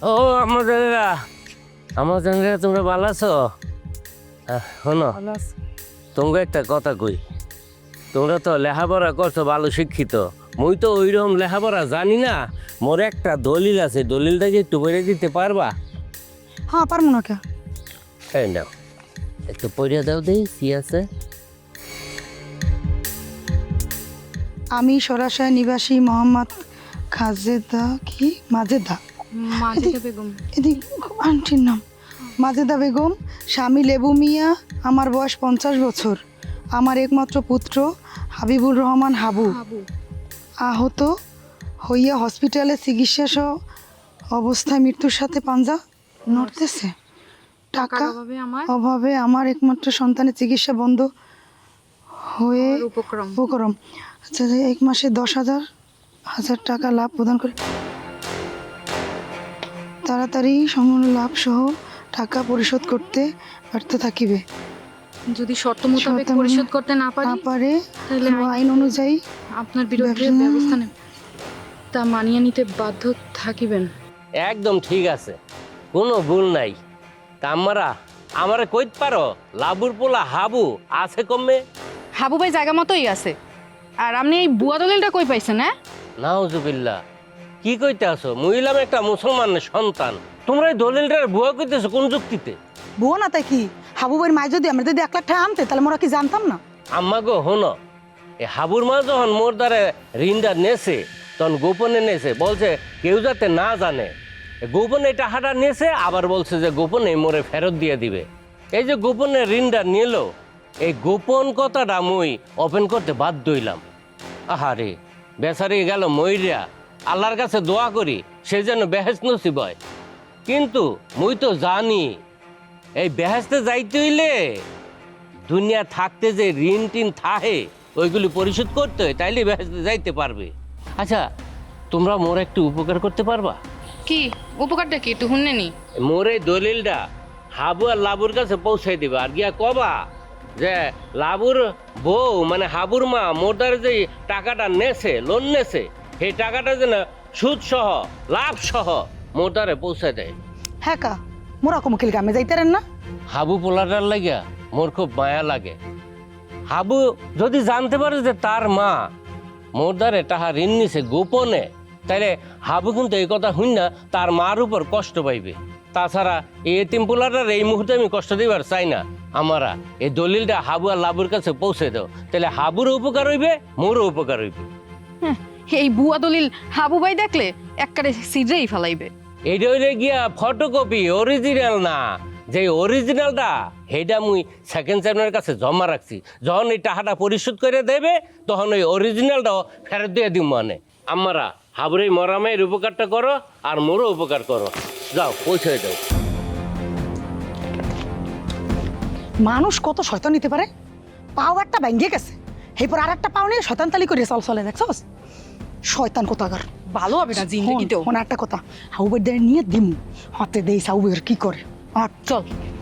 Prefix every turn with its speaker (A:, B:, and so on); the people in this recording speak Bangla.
A: ও আমাদের তোমরা ভালো আছো? শোনো, তোমাকে একটা কথা কই। তোমরা তো লেখাপড়া করছো, ভালো শিক্ষিত। মুই তো ওইরকম লেখাপড়া জানি না। মোর একটা দলিল আছে, দলিলটা কি একটু পড়ে দিতে পারবা?
B: হ্যাঁ, পারবো না কে?
A: এই নাও, একটু পড়ে দাও দেই কি আছে।
B: আমি সরাসরি নিবাসী মোহাম্মদ মাজেদা
C: বেগম।
B: এদিক আন্টির নাম মাজেদা বেগম, স্বামী লেবু মিয়া, আমার বয়স 50 বছর, আমার একমাত্র পুত্র হাবিবুর রহমান হাবু আহত হইয়া হসপিটালে চিকিৎসা সহ অবস্থায় মৃত্যুর সাথে পাঞ্জা নড়তেছে। টাকা অভাবে আমার একমাত্র সন্তানের চিকিৎসা বন্ধ হয়ে উপক্রম। আচ্ছা, 1 মাসে 10,000 টাকা লাভ প্রদান করে তাড়াতাড়ি সম্পূর্ণ লাভ সহ টাকা পরিশোধ করতে ব্যর্থ থাকিবে।
C: যদি শর্ত মোতাবেক পরিশোধ করতে না পারে
B: তাহলে আইন অনুযায়ী
C: আপনার বিরুদ্ধে ব্যবস্থা নেব, তা মানিয়ে নিতে বাধ্য থাকিবেন।
A: একদম ঠিক আছে, কোনো ভুল নাই। তা আমারে কইতে পারো লাবুর পোলা হাবু আছে কমে?
C: হাবু ভাই জায়গা মতোই আছে। আর আপনি এই বুয়া দলিলটা কই পাইছেন? হ্যাঁ,
A: নাউজুবিল্লাহ, কি কইতে আসো? মুইলাম একটা মুসলমানের সন্তান, তোমরা এই দলিলটার বুয়া কইতেছো কোন যুক্তিতে?
B: বুয়া না তাই কি? হাবু ভাইয়ের মায় যদি আমরা যদি 1 লাখ টাকা আনতে তাহলে মোরা কি জানতাম না?
A: আম্মা গো হনো, এই হাবুর মা যখন মোর দ্বারে ঋণটা নেছে তখন গোপনে নেছে, বলছে কেউ যাতে না জানে। গোপনে টাকাটা নেছে, আবার বলছে যে গোপনে মোরে ফেরত দিয়ে দিবে। এই যে গোপনে ঋণটা নিল, এই গোপন কথাটা মুই ওপেন করতে বাধ্য হইলাম। আহারে বেচারি গেল মইরা, আল্লাহর কাছে দোয়া করি সে যেন বেহেশত নসিব হয়। কিন্তু মুই তো জানি এই বেহেশতে যাইতে হইলে দুনিয়া থাকতে যে ঋণ টিন থাহে ওইগুলি পরিশোধ করতে হয়, তাইলে বেহেশতে যাইতে পারবে। আচ্ছা, তোমরা মোর একটু উপকার করতে পারবা?
C: কি উপকারটা কি একটু শুনে নি?
A: মোর এই দলিলটা হাবু আর লাবুর কাছে পৌঁছাই দিবা, আর গিয়া কবা যে লাবুর বউ মানে হাবুর মা মোর দ্বারা যে টাকাটা নেছে, লোন নেছে, সেই টাকাটা যেন সুদ সহ লাভ সহ মোর দ্বারে পৌঁছায় দেয়।
B: হ্যাঁ কা, মোরা কমকিল গ্রামে যাইতারেন না?
A: হাবু পোলাটার লাগিয়া মোর খুব মায়া লাগে। হাবু যদি জানতে পারে যে তার মা মোর দ্বারে টাকা ঋণ নিছে গোপনে, তাইলে হাবু কিন্তু এই কথা শুন না তার মার উপর কষ্ট পাইবে। তাছাড়া এই এতিম পোলাটার এই মুহূর্তে আমি কষ্ট দিবার চাই না। আমারা এই দলিলটা হাবু আর লাবুর কাছে পৌঁছে দাও, তাহলে হাবুরও উপকার হইবে, মোরও উপকার হইবে।
C: এই বুয়া দলিল হাবু ভাই দেখলে একবারে সিজেই ফেলাইবে।
A: এইটা হইলে গিয়া ফটোকপি, অরিজিনাল না। যে অরিজিনালটা সেইটা মুই সেকেন্ড চেয়ারম্যানের কাছে জমা রাখছি। যখন এই টাকাটা পরিশোধ করে দেবে তখন ওই অরিজিনালটাও ফেরত দিয়ে দিব। মানে আমারা হাবুর এই মরামের উপকারটা করো আর মোরও উপকার করো। যাও পৌঁছে দাও।
B: মানুষ কত শয়তান নিতে পারে। পাও একটা ভেঙে গেছে, এরপর আর একটা পাও নিয়ে শয়তান তালি করে চলে দেখছস? শয়তান কোথাকার।
C: ভালো হবে না জিন্দেগিতেও।
B: একটা কথা, হাউবের দিয়ে নিয়ে দিমু হাতে দেই সাউবের কি করে। আর চল।